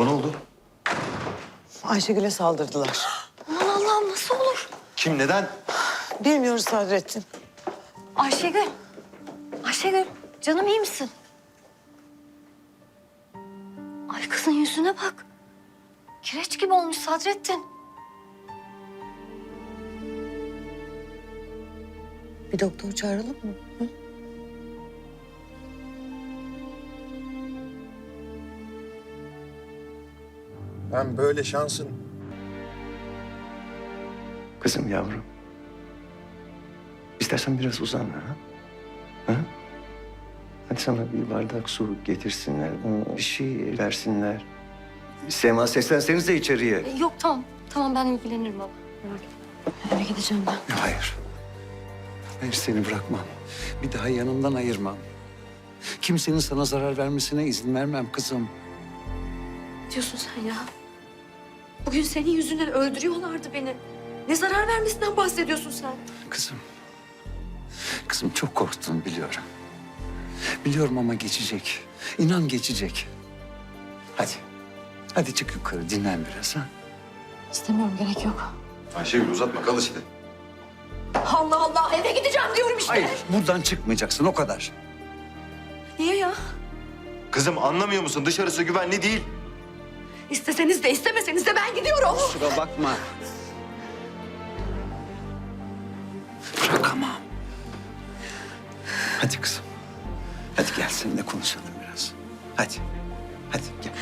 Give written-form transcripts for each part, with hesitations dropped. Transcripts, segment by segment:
Baba ne oldu? Ayşegül'e saldırdılar. Aman Allah'ım nasıl olur? Kim, neden? Bilmiyoruz Sadrettin. Ayşegül. Ayşegül canım iyi misin? Ay kızın yüzüne bak. Kireç gibi olmuş Sadrettin. Bir doktor çağıralım mı? Hı? Ben böyle şansın. Kızım, yavrum. İstersen biraz uzan ha. Ha? Hadi sana bir bardak su getirsinler. Bir şey versinler. Sema, seslensenize içeriye. Yok tamam. Tamam ben ilgilenirim baba. Merak etme. Eve gideceğim ben. Hayır. Hayır, seni bırakmam. Bir daha yanımdan ayırmam. Kimsenin sana zarar vermesine izin vermem kızım. Ne diyorsun sen ya? Bugün senin yüzünden öldürüyorlardı beni. Ne zarar vermesinden bahsediyorsun sen? Kızım. Kızım çok korktun biliyorum. Biliyorum ama geçecek. İnan geçecek. Hadi. Hadi çık yukarı dinlen biraz ha. İstemiyorum gerek yok. Ayşegül uzatma, kal işte. Allah Allah eve gideceğim diyorum işte. Hayır, buradan çıkmayacaksın o kadar. Niye ya? Kızım anlamıyor musun? Dışarısı güvenli değil. İsteseniz de istemeseniz de ben gidiyorum. Kusura bakma. Bırakamam. Hadi kızım. Hadi gel seninle konuşalım biraz. Hadi. Hadi gel.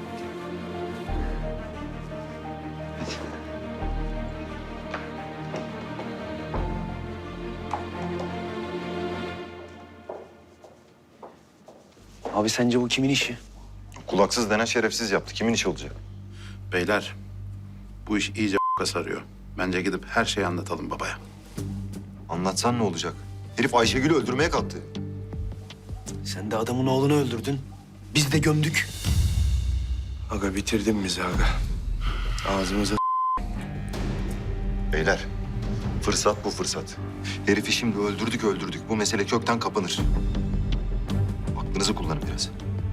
Hadi. Abi sence bu kimin işi? Kulaksız denen şerefsiz yaptı. Kimin işi olacak? Beyler, bu iş iyice sarıyor. Bence gidip her şeyi anlatalım babaya. Anlatsan ne olacak? Herif Ayşegül'ü öldürmeye kalktı. Sen de adamın oğlunu öldürdün. Biz de gömdük. Aga bitirdin bizi aga. Ağzımıza Beyler, fırsat bu fırsat. Herifi şimdi öldürdük. Bu mesele kökten kapanır. Aklınızı kullanın biraz.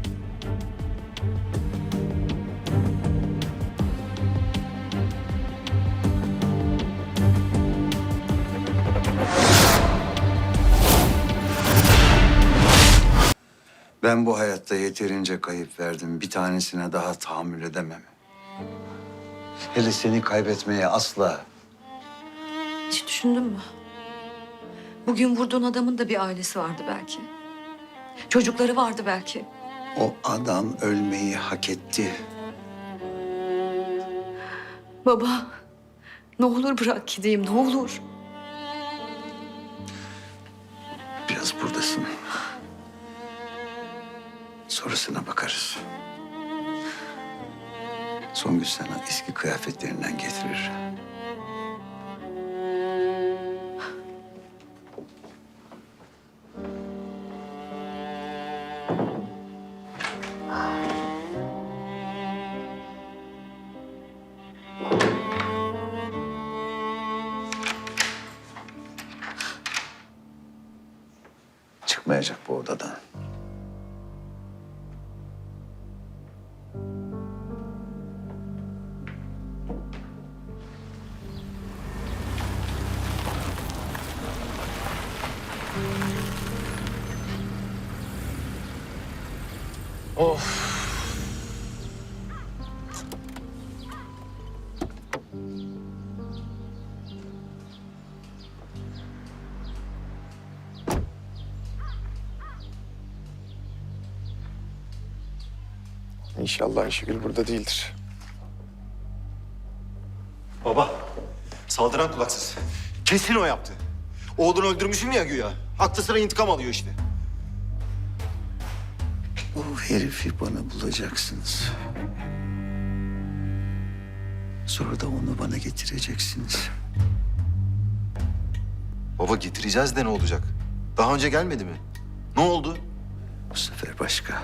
Ben bu hayatta yeterince kayıp verdim. Bir tanesine daha tahammül edemem. Hele seni kaybetmeye asla. Hiç düşündün mü? Bugün vurduğun adamın da bir ailesi vardı belki. Çocukları vardı belki. O adam ölmeyi hak etti. Baba, ne olur bırak gideyim, ne olur. Biraz buradasın. Sonrasına bakarız. Songül sana eski kıyafetlerinden getirir. Çıkmayacak bu odadan. İnşallah Ayşegül burada değildir. Baba, saldıran kulaksız. Kesin o yaptı. Oğlunu öldürmüşüm ya güya. Aklı sıra intikam alıyor işte. O herifi bana bulacaksınız. Sonra da onu bana getireceksiniz. Baba getireceğiz de ne olacak? Daha önce gelmedi mi? Ne oldu? Bu sefer başka.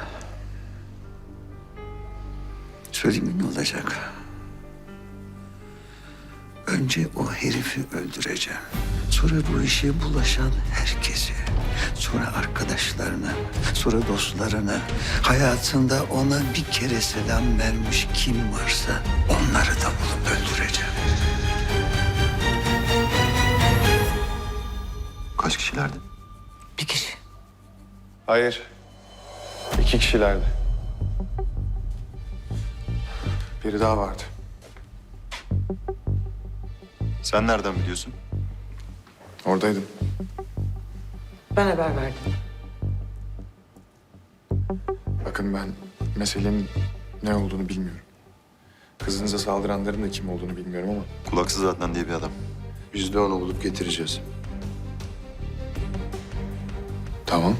Söyleyeyim mi ne olacak? Önce o herifi öldüreceğim. Sonra Sonra bu işe bulaşan herkesi, sonra arkadaşlarını, sonra dostlarını, hayatında ona bir kere selam vermiş kim varsa onları da bulup öldüreceğim. Kaç kişilerdi? Bir kişi. Hayır. 2 kişilerdi. Biri daha vardı. Sen nereden biliyorsun? Oradaydım. Ben haber verdim. Bakın ben meselenin ne olduğunu bilmiyorum. Kızınıza saldıranların da kim olduğunu bilmiyorum ama Kulaksız Adnan diye bir adam. Biz de onu bulup getireceğiz. tamam.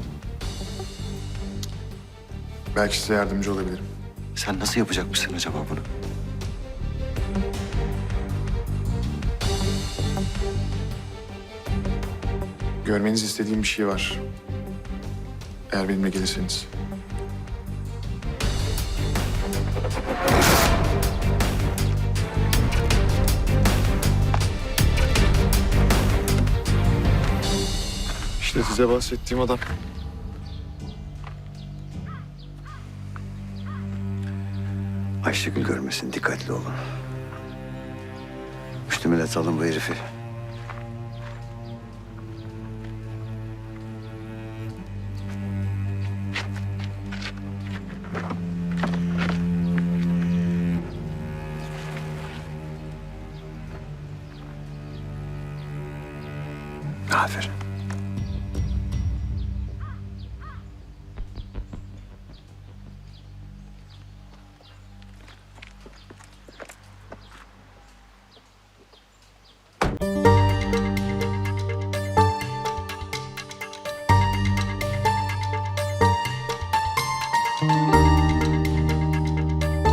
Belki size yardımcı olabilirim. Sen nasıl yapacakmışsın acaba bunu? Görmenizi istediğim bir şey var. Eğer benimle gelirseniz. İşte size bahsettiğim adam. Ayşegül görmesin, dikkatli olun. Üstüme alın bu herifi. Aferin.